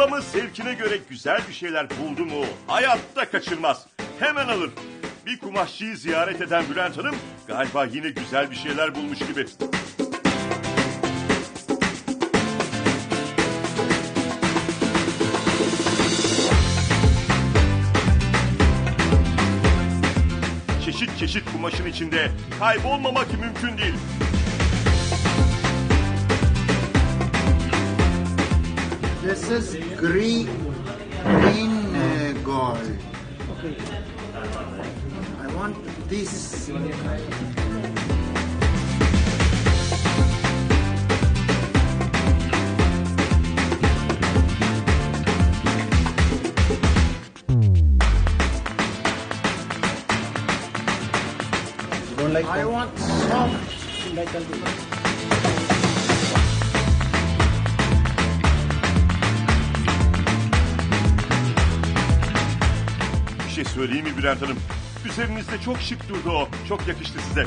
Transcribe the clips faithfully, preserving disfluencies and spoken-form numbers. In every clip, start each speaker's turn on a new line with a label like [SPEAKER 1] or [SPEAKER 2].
[SPEAKER 1] Ablamı zevkine göre güzel bir şeyler buldu mu hayatta kaçırmaz. Hemen alır. Bir kumaşçıyı ziyaret eden Bülent Hanım galiba yine güzel bir şeyler bulmuş gibi. Çeşit çeşit kumaşın içinde kaybolmamak mümkün değil.
[SPEAKER 2] This is green, green uh, gold.
[SPEAKER 3] Okay.
[SPEAKER 2] I want this.
[SPEAKER 3] You don't like
[SPEAKER 2] I
[SPEAKER 3] that?
[SPEAKER 2] want soft.
[SPEAKER 3] Like that.
[SPEAKER 1] Bir şey söyleyeyim mi Bülent Hanım? Üzerinizde çok şık durdu o. Çok yakıştı size.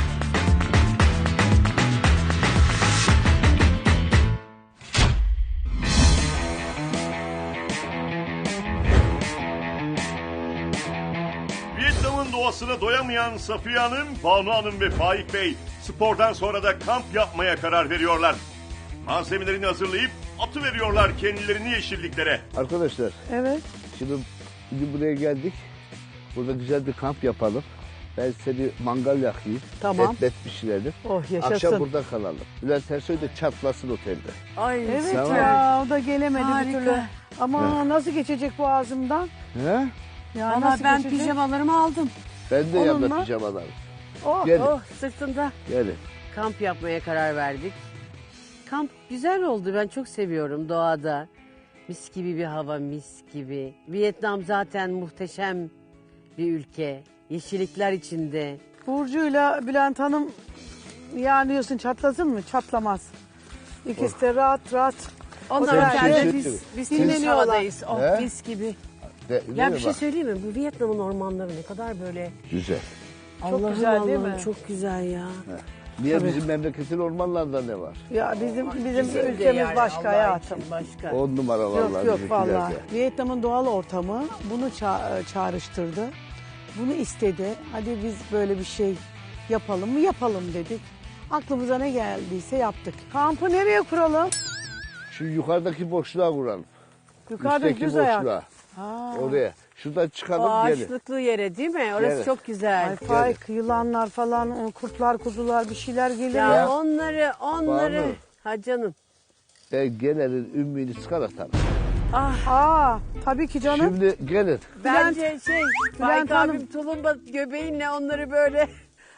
[SPEAKER 1] Vietnam'ın doğasına doyamayan Safiye Hanım, Banu Hanım ve Faik Bey spordan sonra da kamp yapmaya karar veriyorlar. Malzemelerini hazırlayıp atıveriyorlar kendilerini yeşilliklere.
[SPEAKER 4] Arkadaşlar,
[SPEAKER 5] Evet.
[SPEAKER 4] şimdi bugün buraya geldik. Burada güzel bir kamp yapalım. Ben seni mangal yakayım.
[SPEAKER 5] Tamam.
[SPEAKER 4] Et bet pişirelim.
[SPEAKER 5] Oh yaşasın.
[SPEAKER 4] Akşam burada kalalım. Bülent Ersoy da çatlasın otelde.
[SPEAKER 5] Ay evet
[SPEAKER 4] Tamam.
[SPEAKER 5] ya o da gelemedi
[SPEAKER 6] Harika.
[SPEAKER 5] bir türlü. Ama nasıl geçecek boğazımdan?
[SPEAKER 4] He?
[SPEAKER 5] Ya
[SPEAKER 6] Valla
[SPEAKER 5] nasıl
[SPEAKER 6] ben
[SPEAKER 5] geçecek?
[SPEAKER 6] pijamalarımı aldım.
[SPEAKER 4] Ben de
[SPEAKER 5] Olur
[SPEAKER 4] yanında
[SPEAKER 5] mu?
[SPEAKER 4] pijamalarım.
[SPEAKER 5] Oh,
[SPEAKER 4] Gelin,
[SPEAKER 6] Oh sırtında
[SPEAKER 4] gelin.
[SPEAKER 6] kamp yapmaya karar verdik. Kamp güzel oldu. Ben çok seviyorum doğada. Mis gibi bir hava, mis gibi. Vietnam zaten muhteşem bir ülke. Yeşillikler içinde.
[SPEAKER 5] Burcu'yla Bülent Hanım yani diyorsun çatlasın mı? Çatlamaz. İkisi de rahat rahat.
[SPEAKER 6] Onlar
[SPEAKER 4] Sen bir şey
[SPEAKER 6] otelde
[SPEAKER 4] söyleyeyim
[SPEAKER 6] biz,
[SPEAKER 4] mi?
[SPEAKER 6] biz
[SPEAKER 5] Siz-
[SPEAKER 6] temiz havadayız. Oh
[SPEAKER 4] He?
[SPEAKER 6] mis gibi.
[SPEAKER 4] De,
[SPEAKER 6] Ya
[SPEAKER 4] değil
[SPEAKER 6] bir
[SPEAKER 4] mi
[SPEAKER 6] şey
[SPEAKER 4] bak?
[SPEAKER 6] söyleyeyim mi? Bu Vietnam'ın ormanları ne kadar böyle...
[SPEAKER 4] Güzel.
[SPEAKER 6] Allah'ım
[SPEAKER 5] güzel değil
[SPEAKER 6] Allah'ım,
[SPEAKER 5] mi?
[SPEAKER 6] çok güzel ya.
[SPEAKER 4] Niye bizim memleketin ormanlarında ne var?
[SPEAKER 5] Ya bizim bizim
[SPEAKER 6] Bizim de
[SPEAKER 5] ülkemiz
[SPEAKER 6] yani,
[SPEAKER 5] başka
[SPEAKER 6] Allah
[SPEAKER 5] hayatım.
[SPEAKER 6] için başka.
[SPEAKER 4] On numara vallahi
[SPEAKER 5] Yok yok
[SPEAKER 4] bizimkiler
[SPEAKER 5] vallahi.
[SPEAKER 4] de.
[SPEAKER 5] Vietnam'ın doğal ortamı bunu ça- çağrıştırdı. Bunu istedi. Hadi biz böyle bir şey yapalım mı? Yapalım dedik. Aklımıza ne geldiyse yaptık. Kampı nereye kuralım?
[SPEAKER 4] Şu yukarıdaki boşluğa vuralım.
[SPEAKER 5] Yukarıda
[SPEAKER 4] Üstteki
[SPEAKER 5] düz ayak.
[SPEAKER 4] boşluğa.
[SPEAKER 5] Ha.
[SPEAKER 4] Oraya. Şuradan
[SPEAKER 6] O
[SPEAKER 4] çıkalım gelin.
[SPEAKER 6] ağaçlıklı yere değil mi? Orası
[SPEAKER 4] Evet.
[SPEAKER 6] çok güzel.
[SPEAKER 5] Ay Faik, yılanlar falan, o kurtlar, kuzular bir şeyler geliyor.
[SPEAKER 6] Ya,
[SPEAKER 4] Ya.
[SPEAKER 6] onları, onları.
[SPEAKER 4] Banu.
[SPEAKER 6] Ha canım.
[SPEAKER 4] Ben gelenin ümmüğünü çıkar atarım.
[SPEAKER 5] Aa, tabii ki canım.
[SPEAKER 4] Şimdi gelin.
[SPEAKER 6] Bence şey, Faik
[SPEAKER 5] Hanım.
[SPEAKER 6] abim tulumba göbeğinle onları böyle.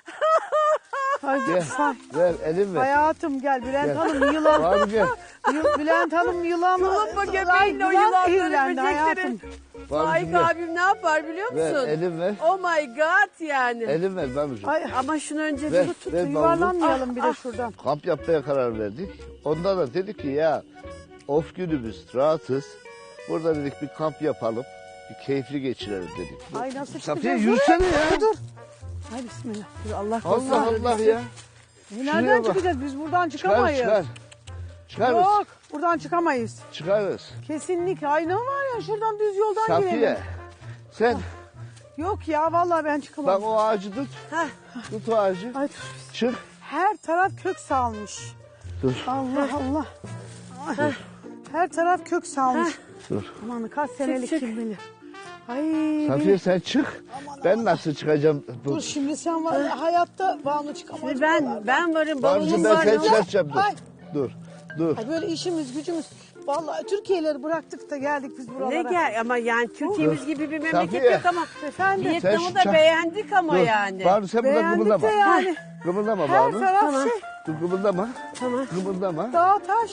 [SPEAKER 5] Ay,
[SPEAKER 4] Gel.
[SPEAKER 5] Fa-
[SPEAKER 4] Ver elin ver.
[SPEAKER 5] Hayatım gel Bülent
[SPEAKER 4] Gel.
[SPEAKER 5] Hanım yılan.
[SPEAKER 4] Abi gel.
[SPEAKER 5] Yı- Bülent Hanım yılan.
[SPEAKER 6] Tulumba
[SPEAKER 5] Ay,
[SPEAKER 6] göbeğinle o
[SPEAKER 5] yılan
[SPEAKER 6] yılanları,
[SPEAKER 5] zehirlendi
[SPEAKER 6] böcekleri.
[SPEAKER 5] hayatım.
[SPEAKER 6] Faik
[SPEAKER 4] ver.
[SPEAKER 6] abim ne yapar biliyor
[SPEAKER 4] Ver
[SPEAKER 6] musun?
[SPEAKER 4] elin ver.
[SPEAKER 6] Oh my god yani.
[SPEAKER 4] Elin ver Banucuğum.
[SPEAKER 5] Ay,
[SPEAKER 6] Ama şunu önce
[SPEAKER 4] Ver.
[SPEAKER 6] tut.
[SPEAKER 4] Ver
[SPEAKER 5] yuvarlanmayalım bir de şuradan.
[SPEAKER 4] Kamp yapmaya karar verdik. Ondan da dedik ki ya of günümüz rahatız. Burada dedik bir kamp yapalım. Bir keyifli geçirelim dedik.
[SPEAKER 5] Ay nasıl
[SPEAKER 4] Safiye
[SPEAKER 5] çıkacağız?
[SPEAKER 4] yürüsene
[SPEAKER 5] Dur,
[SPEAKER 4] ya.
[SPEAKER 5] Dur dur. Ay bismillah. Dur, Allah korusun.
[SPEAKER 4] Allah Allah ya.
[SPEAKER 5] E,
[SPEAKER 4] Şuraya
[SPEAKER 5] Nereden
[SPEAKER 4] bak.
[SPEAKER 5] çıkacağız? Biz buradan
[SPEAKER 4] Çıkar
[SPEAKER 5] çıkamayız.
[SPEAKER 4] çıkar. Çıkarız.
[SPEAKER 5] Yok buradan çıkamayız.
[SPEAKER 4] Çıkarız.
[SPEAKER 5] Kesinlikle. Ay ne var ya şuradan düz yoldan
[SPEAKER 4] Safiye
[SPEAKER 5] girelim.
[SPEAKER 4] sen
[SPEAKER 5] Yok ya vallahi ben çıkamam.
[SPEAKER 4] bak o ağacı tut. Tut o ağacı.
[SPEAKER 5] Ay dur.
[SPEAKER 4] Çık.
[SPEAKER 5] Her taraf kök salmış.
[SPEAKER 4] Dur.
[SPEAKER 5] Allah Allah. Ay, her taraf kök salmış.
[SPEAKER 4] Dur.
[SPEAKER 5] Aman kaç senelik
[SPEAKER 6] çık.
[SPEAKER 5] kim bilir. Ay
[SPEAKER 4] Safiye
[SPEAKER 5] benim-
[SPEAKER 4] sen çık. Ben nasıl çıkacağım? Bu-
[SPEAKER 5] Dur şimdi sen var ya, hayatta Banu çıkamaz.
[SPEAKER 6] Şimdi ben, ben varım.
[SPEAKER 4] Banucuğum
[SPEAKER 6] Bavulum
[SPEAKER 4] ben
[SPEAKER 6] var.
[SPEAKER 4] seni
[SPEAKER 6] ne olur?
[SPEAKER 4] çıkartacağım dur.
[SPEAKER 5] Ay.
[SPEAKER 4] Dur. Dur.
[SPEAKER 5] Ay böyle işimiz gücümüz. Vallahi Türkiye'leri bıraktık da geldik biz buralara.
[SPEAKER 6] Ne gel ama yani Türkiye'miz gibi bir memleket
[SPEAKER 4] Safiye.
[SPEAKER 6] yok ama
[SPEAKER 5] Efendim.
[SPEAKER 6] Vietnam'ı
[SPEAKER 4] Sen
[SPEAKER 6] da
[SPEAKER 4] şu-
[SPEAKER 6] beğendik ama
[SPEAKER 4] Dur.
[SPEAKER 6] yani.
[SPEAKER 4] Banu sen burada
[SPEAKER 5] Beğendik
[SPEAKER 4] kımıldama.
[SPEAKER 5] de yani.
[SPEAKER 4] Kımıldama
[SPEAKER 5] Her
[SPEAKER 4] Banu.
[SPEAKER 5] taraf
[SPEAKER 6] Tamam.
[SPEAKER 5] şey.
[SPEAKER 4] Dur kımıldama.
[SPEAKER 6] Tamam.
[SPEAKER 4] Kımıldama.
[SPEAKER 5] Dağ taş.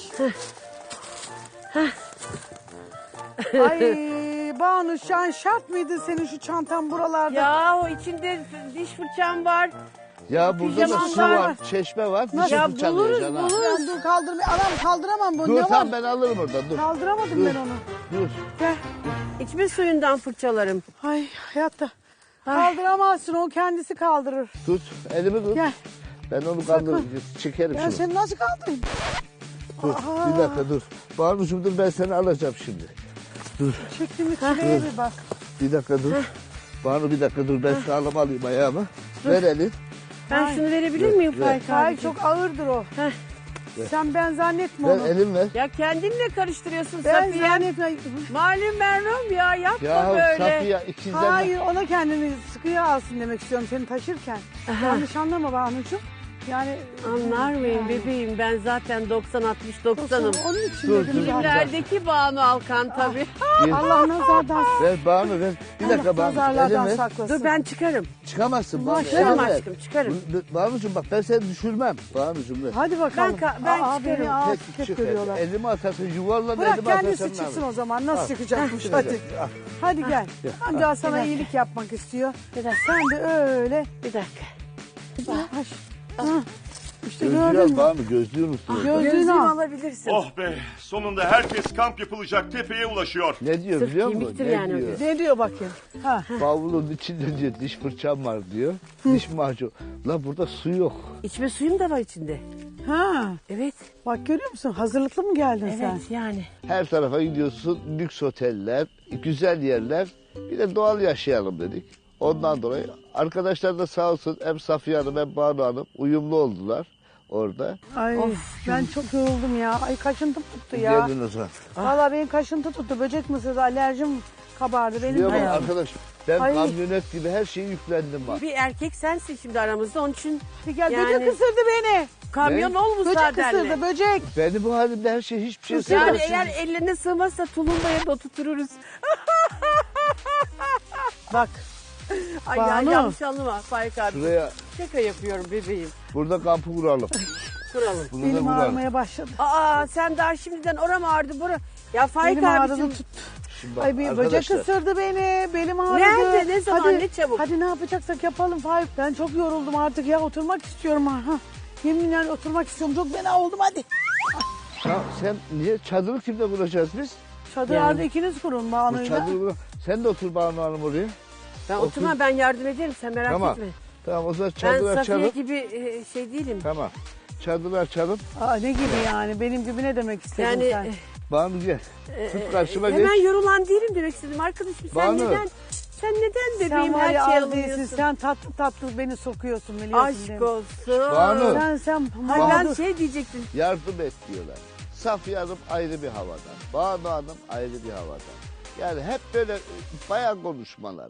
[SPEAKER 5] Ay Banu sen şart mıydı senin şu çantan buralarda?
[SPEAKER 6] Ya o içinde diş fırçam var.
[SPEAKER 4] Ya burada da
[SPEAKER 6] Pijamam
[SPEAKER 4] su
[SPEAKER 6] var.
[SPEAKER 4] var, çeşme var. Bir
[SPEAKER 6] Ya
[SPEAKER 4] şey fırçalıyor
[SPEAKER 6] buluruz,
[SPEAKER 4] cana.
[SPEAKER 6] buluruz.
[SPEAKER 5] Ben dur kaldırmayı. Anam kaldıramam bunu.
[SPEAKER 4] Dur
[SPEAKER 5] ne var?
[SPEAKER 4] tamam ben alırım oradan dur.
[SPEAKER 5] Kaldıramadım
[SPEAKER 4] Dur.
[SPEAKER 5] ben onu.
[SPEAKER 4] Dur.
[SPEAKER 5] Gel.
[SPEAKER 6] İçme suyundan fırçalarım.
[SPEAKER 5] Ay hayatta. Kaldıramazsın o kendisi kaldırır.
[SPEAKER 4] Tut elimi tut.
[SPEAKER 5] Gel.
[SPEAKER 4] Ben onu
[SPEAKER 5] Sakın.
[SPEAKER 4] kaldırırım. Çekerim
[SPEAKER 5] Ben
[SPEAKER 4] şunu.
[SPEAKER 5] seni nasıl kaldırayım?
[SPEAKER 4] Dur bir dakika dur. Banucuğum dur ben seni alacağım şimdi. Dur
[SPEAKER 5] Çektiğimiz çileye bir bak.
[SPEAKER 4] bir dakika dur. Banu bir dakika dur ben sağlam alayım ayağımı. Ver elin.
[SPEAKER 6] Ben şunu verebilir miyim
[SPEAKER 4] ver.
[SPEAKER 6] Faik
[SPEAKER 5] Hayır
[SPEAKER 6] abi?
[SPEAKER 5] çok ağırdır o.
[SPEAKER 6] Heh.
[SPEAKER 5] Sen ben zannetme
[SPEAKER 4] Ver
[SPEAKER 5] onu.
[SPEAKER 4] elin ver.
[SPEAKER 6] Ya kendinle karıştırıyorsun
[SPEAKER 5] Ben
[SPEAKER 6] Safiye.
[SPEAKER 5] zannetme.
[SPEAKER 6] Malum merhum ya yapma
[SPEAKER 4] Ya
[SPEAKER 6] böyle.
[SPEAKER 4] Safiye ikizden.
[SPEAKER 5] Hayır ona kendini sıkıya alsın demek istiyorum seni taşırken. Yanlış anlama Banucuğum. Yani
[SPEAKER 6] Anlar mıyım
[SPEAKER 5] Yani.
[SPEAKER 6] bebeğim ben zaten doksan altmış doksanım.
[SPEAKER 5] Onun için
[SPEAKER 4] Dur,
[SPEAKER 5] dedim
[SPEAKER 4] dur.
[SPEAKER 5] zaten.
[SPEAKER 6] Filmlerdeki Banu Alkan tabii.
[SPEAKER 4] Bir-
[SPEAKER 5] Allah nazardan
[SPEAKER 4] Ver Banu ver. Bir dakika
[SPEAKER 5] Allah
[SPEAKER 4] Banu. Elin
[SPEAKER 5] nazarlardan
[SPEAKER 4] ver.
[SPEAKER 5] saklasın.
[SPEAKER 6] Dur ben çıkarım.
[SPEAKER 4] Çıkamazsın Banu.
[SPEAKER 6] Çıkarım
[SPEAKER 4] elin ver.
[SPEAKER 6] aşkım çıkarım.
[SPEAKER 4] Bu- Banucuğum bak ben seni düşürmem. Banucuğum ver.
[SPEAKER 5] Hadi bakalım.
[SPEAKER 6] Ben ka- ben
[SPEAKER 5] Aa,
[SPEAKER 6] çıkarım.
[SPEAKER 5] beni ağız
[SPEAKER 4] Peki,
[SPEAKER 5] hep
[SPEAKER 4] çık
[SPEAKER 5] görüyorlar.
[SPEAKER 4] elini. Elimi atarsın yuvarlan
[SPEAKER 5] Bırak
[SPEAKER 4] elimi atarsın.
[SPEAKER 5] kendisi
[SPEAKER 4] ne
[SPEAKER 5] çıksın
[SPEAKER 4] yapayım?
[SPEAKER 5] o zaman. Nasıl
[SPEAKER 4] Al.
[SPEAKER 5] çıkacakmış
[SPEAKER 4] Heh,
[SPEAKER 5] hadi.
[SPEAKER 4] al.
[SPEAKER 5] Hadi gel. Amca sana
[SPEAKER 6] Bir dakika.
[SPEAKER 5] iyilik yapmak istiyor.
[SPEAKER 6] Bir dakika.
[SPEAKER 5] Sen de öyle.
[SPEAKER 6] Bir dakika.
[SPEAKER 5] Yavaş. Ha. İşte
[SPEAKER 4] Gözlüğü
[SPEAKER 5] gördün
[SPEAKER 4] al
[SPEAKER 5] mü?
[SPEAKER 4] Banu gözlüğü unuttun.
[SPEAKER 5] Gözlüğünü
[SPEAKER 6] Gözlüğümü
[SPEAKER 5] al.
[SPEAKER 6] alabilirsin.
[SPEAKER 1] Oh be, sonunda herkes kamp yapılacak tepeye ulaşıyor.
[SPEAKER 4] Ne diyor
[SPEAKER 6] Sırf
[SPEAKER 4] biliyor musun?
[SPEAKER 6] kemiktir
[SPEAKER 4] Ne
[SPEAKER 6] yani o
[SPEAKER 4] diyor?
[SPEAKER 6] göz.
[SPEAKER 5] Ne diyor bakayım? Ha.
[SPEAKER 4] Bavulun içinde diyor diş fırçam var diyor. Diş macunu. La burada su yok.
[SPEAKER 6] İçme suyum da var içinde.
[SPEAKER 5] Ha.
[SPEAKER 6] Evet.
[SPEAKER 5] Bak görüyor musun? Hazırlıklı mı geldin
[SPEAKER 6] Evet
[SPEAKER 5] sen?
[SPEAKER 6] yani.
[SPEAKER 4] Her tarafa gidiyorsun. Lüks oteller, güzel yerler. Bir de doğal yaşayalım dedik. Ondan dolayı arkadaşlar da sağ olsun hem Safiye Hanım hem Banu Hanım uyumlu oldular orada.
[SPEAKER 5] Ay ben çok yoruldum ya. Ay kaşıntım tuttu ya.
[SPEAKER 4] Geldin o zaman.
[SPEAKER 5] Valla benim kaşıntı tuttu. Böcek mısırdı, alerjim kabardı. Benim
[SPEAKER 4] Biliyor musun
[SPEAKER 5] de.
[SPEAKER 4] arkadaş ben
[SPEAKER 5] Ay.
[SPEAKER 4] kamyonet gibi her şeyi yüklendim bak.
[SPEAKER 6] Bir erkek sensin şimdi aramızda onun için
[SPEAKER 5] Hadi gel
[SPEAKER 6] Yani-
[SPEAKER 5] böcek ısırdı beni.
[SPEAKER 6] kamyon
[SPEAKER 4] Ne?
[SPEAKER 6] ol
[SPEAKER 5] Böcek
[SPEAKER 6] müsaadenle.
[SPEAKER 5] ısırdı böcek.
[SPEAKER 4] Beni bu halimde her şey hiçbir şey
[SPEAKER 5] Isırdı.
[SPEAKER 6] Yani
[SPEAKER 4] sevmez.
[SPEAKER 6] eğer ellerine sığmazsa tulumbaya da oturtururuz.
[SPEAKER 5] Bak
[SPEAKER 6] Ay ya,
[SPEAKER 5] Banu.
[SPEAKER 6] yanlış anlama Faik abi.
[SPEAKER 4] Şuraya
[SPEAKER 6] Şaka yapıyorum bebeğim.
[SPEAKER 4] burada kampı kuralım.
[SPEAKER 6] Kuralım.
[SPEAKER 4] Bunu da
[SPEAKER 5] benim
[SPEAKER 4] kuralım.
[SPEAKER 5] ağrımaya başladı.
[SPEAKER 6] Aa sen daha şimdiden oram ağrıdı bura. Ya Faik
[SPEAKER 5] Benim ağrıdı
[SPEAKER 6] abicim.
[SPEAKER 5] tuttu.
[SPEAKER 4] Şimdi bak
[SPEAKER 5] Ay bir böcek
[SPEAKER 4] arkadaşlar,
[SPEAKER 5] ısırdı beni. Belim ağrıdı.
[SPEAKER 6] Nerede, ne zaman,
[SPEAKER 5] hadi,
[SPEAKER 6] ne çabuk?
[SPEAKER 5] Hadi ne yapacaksak yapalım Faik. Ben çok yoruldum artık ya. Oturmak istiyorum ha. ha. Yeminle oturmak istiyorum. Çok fena oldum hadi.
[SPEAKER 4] ya sen niye çadırı kimle kuracağız biz?
[SPEAKER 5] Çadırlarda
[SPEAKER 6] Yani.
[SPEAKER 5] ikiniz kurun
[SPEAKER 4] Bu
[SPEAKER 5] Banu'yla.
[SPEAKER 4] çadırı kur- Sen de otur Banu Hanım oraya.
[SPEAKER 6] Ben
[SPEAKER 4] Otur.
[SPEAKER 6] oturma ben yardım ederim sen merak
[SPEAKER 4] Tamam.
[SPEAKER 6] etme.
[SPEAKER 4] Tamam o zaman
[SPEAKER 6] Ben
[SPEAKER 4] çadır
[SPEAKER 6] Safiye
[SPEAKER 4] açalım.
[SPEAKER 6] gibi e, şey değilim.
[SPEAKER 4] Tamam. Çadırı açalım.
[SPEAKER 5] Aa, ne gibi yani? Benim gibi ne demek istedin
[SPEAKER 6] Yani
[SPEAKER 5] sen?
[SPEAKER 6] e,
[SPEAKER 4] Banu gel. Tut karşıma geç.
[SPEAKER 6] hemen yorulan değilim demek istedim arkadaşım. Sen
[SPEAKER 4] Banu.
[SPEAKER 6] neden sen neden bebeğim
[SPEAKER 5] Sen var
[SPEAKER 6] her
[SPEAKER 5] ya
[SPEAKER 6] şeyi
[SPEAKER 5] az değilsin.
[SPEAKER 6] alıyorsun?
[SPEAKER 5] Sen tatlı tatlı beni sokuyorsun biliyorsun değil
[SPEAKER 6] Aşk
[SPEAKER 5] mi?
[SPEAKER 6] olsun.
[SPEAKER 4] Banu.
[SPEAKER 5] Sen sen
[SPEAKER 6] Hayır ben
[SPEAKER 5] mağdur.
[SPEAKER 6] şey diyecektim.
[SPEAKER 4] Yardım et diyorlar. Safiye Hanım ayrı bir havadan. Banu Hanım ayrı bir havadan. Yani hep böyle e, bayan konuşmalar.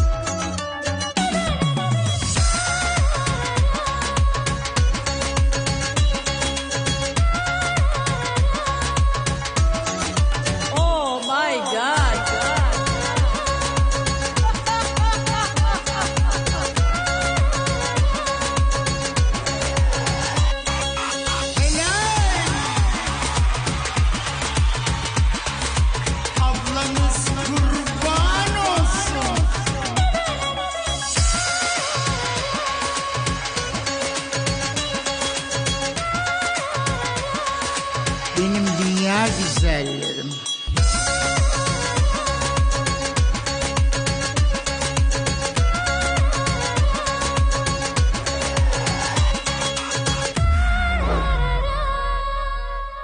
[SPEAKER 6] Oh my god.
[SPEAKER 2] Ablanız kurban olsun. Benim dünya güzellerim.